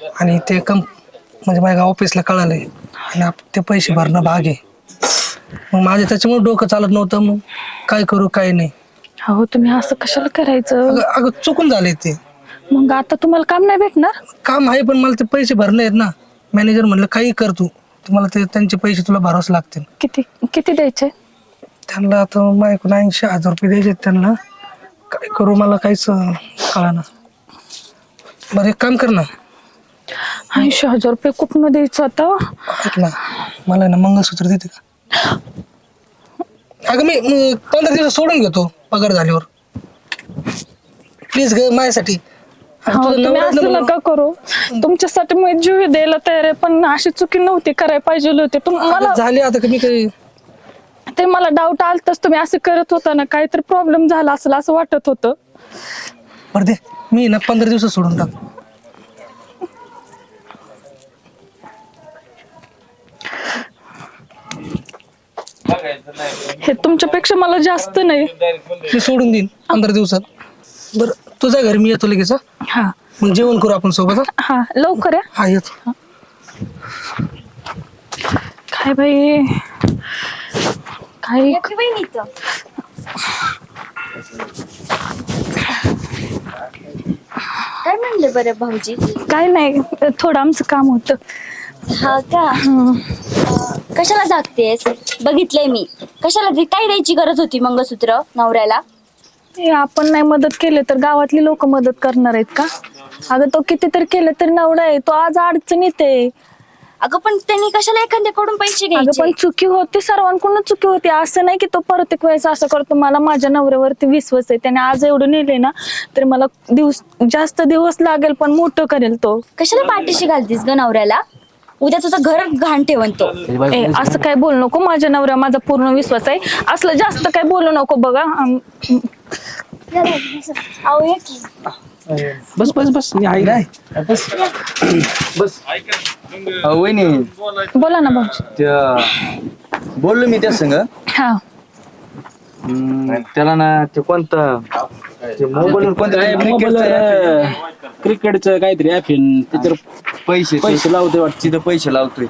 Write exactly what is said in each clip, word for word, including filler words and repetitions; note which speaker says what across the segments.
Speaker 1: आणि ते कंप म्हणजे माझ्या ऑफिसला कळालंय आणि आप- ते पैसे भरणं भाग आहे. मग माझे त्याच्यामुळे डोकं चालत नव्हतं. मग काय करू काय नाही.
Speaker 2: अहो तुम्ही असं कशाला करायचं?
Speaker 1: अगं अगं चुकून झाले ते
Speaker 2: मग आता तुम्हाला काम नाही भेटणार?
Speaker 1: काम आहे, पण मला ते पैसे भरणे आहेत ना. मॅनेजर म्हणलं काही कर तू, तुम्हाला ते त्यांचे पैसे तुला भरावंच लागतील.
Speaker 2: किती किती द्यायचे?
Speaker 1: त्यांना आता माझ्याकडून ऐंशी हजार रुपये द्यायचे त्यांना. काय करू मला काहीच कळाना. बरं एक काम कर ना,
Speaker 2: ऐंशी हजार रुपये कुठनं द्यायचं आता?
Speaker 1: ऐक ना, मला ना मंगळसूत्र देते का? अगं मी म, पंधरा दिवस सोडून घेतो पगार झाल्यावर. प्लीज ग माझ्यासाठी. आणि
Speaker 2: हो,
Speaker 1: तुझं
Speaker 2: तुम्ही
Speaker 1: नवरा
Speaker 2: असं
Speaker 1: ना
Speaker 2: नका करू. तुमच्यासाठी मी जीव द्यायला तयार आहे, पण अशी चुकी नव्हती करायला पाहिजे होते. तुम्हाला
Speaker 1: अगं झाली आता कमी काही.
Speaker 2: ते मला डाऊट आलतच, तुम्ही असं करत होता ना, काहीतरी प्रॉब्लेम झाला असेल असं वाटत होतं.
Speaker 1: बरं दे, मी ना पंधरा दिवसात सोडून टाक.
Speaker 2: हे तुमच्यापेक्षा मला जास्त नाही.
Speaker 1: मी सोडून देईन पंधरा दिवसात. बरं तुझ्या घरी मी येतो लगेच. हं?
Speaker 2: हा
Speaker 1: मग जेवण करू आपण सोबत. हं?
Speaker 2: हा लवकर या.
Speaker 1: हा येतो.
Speaker 2: काय बाई, काय
Speaker 3: काय म्हणले बरं भाऊजी?
Speaker 2: काय नाही, थोडं आमचं काम होतं.
Speaker 3: हा का? अं, कशाला जागतेस? बघितलंय मी. कशाला दे- काय द्यायची गरज होती मंगळसूत्र नवऱ्याला?
Speaker 2: हे आपण नाही मदत केली तर गावातली लोक मदत करणार आहेत का? अगं तो कितीतरी केलं तरी नवरा आहे, तो आज अडचणीत आहे.
Speaker 3: अगं पण त्यांनी कशाला एखाद्याकडून पैसे
Speaker 2: अगं
Speaker 3: घ्यायचे?
Speaker 2: पण चुकी होती, सर्वांकडून चुकी होती. असं नाही की तो प्रत्येक वेळेस असं करतो. मला माझ्या नवऱ्यावरती विश्वास आहे. त्याने आज एवढं नेले ना, तर मला दिवस जास्त दिवस लागेल पण मोठं करेल तो.
Speaker 3: कशाला पाठीशी घालतीस ग नवऱ्याला? उद्या तुझं घर घाण ठेवन तो.
Speaker 2: ए, असं काय बोलू नको. माझ्या नवऱ्या माझा पूर्ण विश्वास आहे. असलं जास्त काय बोलू नको बघा. अम,
Speaker 3: अहो ये की.
Speaker 4: बस बस बस मी आहे काय बस बस अहो, वहिनी
Speaker 2: बोला ना भाऊजी.
Speaker 4: त्या बोललो मी त्या संग.
Speaker 2: हा
Speaker 4: हम्म, त्याला ना ते कोणतं ते मोबाईल कोणतं
Speaker 5: क्रिकेटचं काहीतरी ऍप त्याच्यावर
Speaker 4: पैसे
Speaker 5: पैसे लावतोय वाटतं.
Speaker 4: तिथं पैसे लावतोय.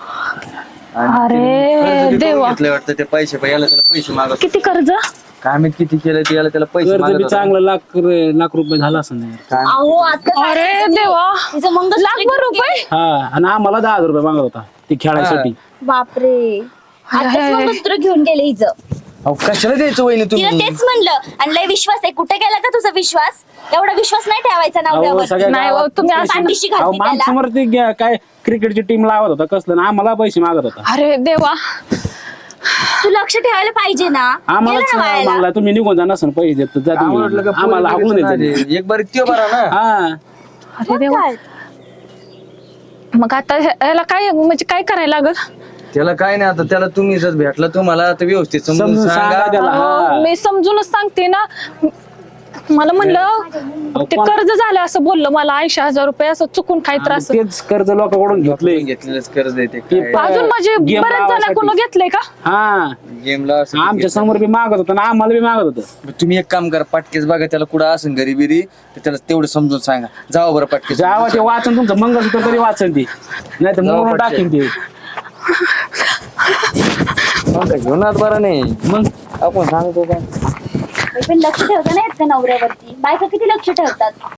Speaker 2: अरे देवा,
Speaker 4: घेतलंय वाटतं ते पैसे पण याला त्याला पैसे मागत.
Speaker 2: किती कर्ज?
Speaker 4: काय माहित किती केलं ते याला त्याला पैसे
Speaker 5: कर्ज
Speaker 4: मागत
Speaker 5: बी
Speaker 4: होता.
Speaker 5: चांगलं लाख लाख रुपये झाला असं नाही.
Speaker 4: काय
Speaker 3: अहो आता
Speaker 2: अरे देवा,
Speaker 3: तिचं मंगळसूत्र
Speaker 2: लाखभर रुपये?
Speaker 5: हा आणि आम्हाला दहा हजार रुपये मागत होता ते खेळायसाठी.
Speaker 3: बापरे. आताच मंगळसूत्र घेऊन गेले हिचं.
Speaker 4: अहो, कशाला द्यायचं वहिनी
Speaker 3: तिला
Speaker 4: तुम्ही?
Speaker 3: तेच म्हणलं. आणि लय विश्वास आहे. कुठे गेला का तुझा विश्वास? एवढा विश्वास नाही ठेवायचा
Speaker 5: अहो,
Speaker 3: नवऱ्यावर.
Speaker 5: सगळ्या
Speaker 2: नाही हो,
Speaker 5: गावात
Speaker 2: तुम्ही
Speaker 5: पैसे-
Speaker 2: असं-
Speaker 3: पाठीशी
Speaker 5: अहो,
Speaker 3: घालती त्याला.
Speaker 5: माणसासमोर ते गे- काय क्रिकेटची टीम लावत होता कसलं ना आम्हाला पैसे मागत होता.
Speaker 2: अरे देवा,
Speaker 3: तू लक्ष ठेवायला पाहिजे ना.
Speaker 5: आम्हाला
Speaker 3: गेला ना वायाला.
Speaker 5: मागला तुम्ही निघून जा नसं पैसे देत जा तुम्ही.
Speaker 4: आम्हाला वाटलं का
Speaker 5: आम्हाला
Speaker 4: पोरी
Speaker 5: हाकलून
Speaker 4: बिरीचं
Speaker 5: देत
Speaker 4: नाही. एक बार त्यो बरा ना.
Speaker 5: हा
Speaker 2: अरे देवा.
Speaker 3: काय?
Speaker 2: मग आता हे- याला काय म्हणजे काय करायला लागल?
Speaker 4: त्याला काय नाही आता त्याला तुम्ही जर भेटला तुम्हाला आता व्यवस्थित समजून
Speaker 5: समजून
Speaker 4: सांगा
Speaker 5: सांगा त्याला.
Speaker 2: अहो,
Speaker 5: हा.
Speaker 2: मी समजूनच सांगते ना. मला म्हणलं ते कर्ज झालं असं बोललं मला. ऐंशी हजार रुपये असं चुकून काही त्रास.
Speaker 5: तेच कर्ज लोकांकडून घेतलंय.
Speaker 4: घेतलेलंच कर्ज येते
Speaker 5: ते
Speaker 2: अजून माझे
Speaker 5: Game
Speaker 2: बरेच
Speaker 5: लावायसाठी.
Speaker 2: जणांकडून घेतलंय का?
Speaker 5: हा
Speaker 4: गेमला
Speaker 5: आमच्या समोर बी मागत होता ना आम्हाला बी मागत होतं.
Speaker 4: तुम्ही एक काम करा पाटकेच बघा त्याला कुठं असेल घरी बिरी तर त्याला तेवढं समजून सांगा. जावा बरं पाटकेच.
Speaker 5: जेव्हा ते वाचन तुमचं मंगळसूत्र तरी वाचन ती नाही तर
Speaker 4: जाऊ
Speaker 5: म्हणून
Speaker 4: पटकन.
Speaker 5: टाकीन ते.
Speaker 4: घेऊन आत बरं नाही
Speaker 5: मग
Speaker 4: आपण सांगतो का
Speaker 3: पण लक्ष ठेवता नाही येत का नवऱ्यावरती? बायका किती लक्ष ठेवतात?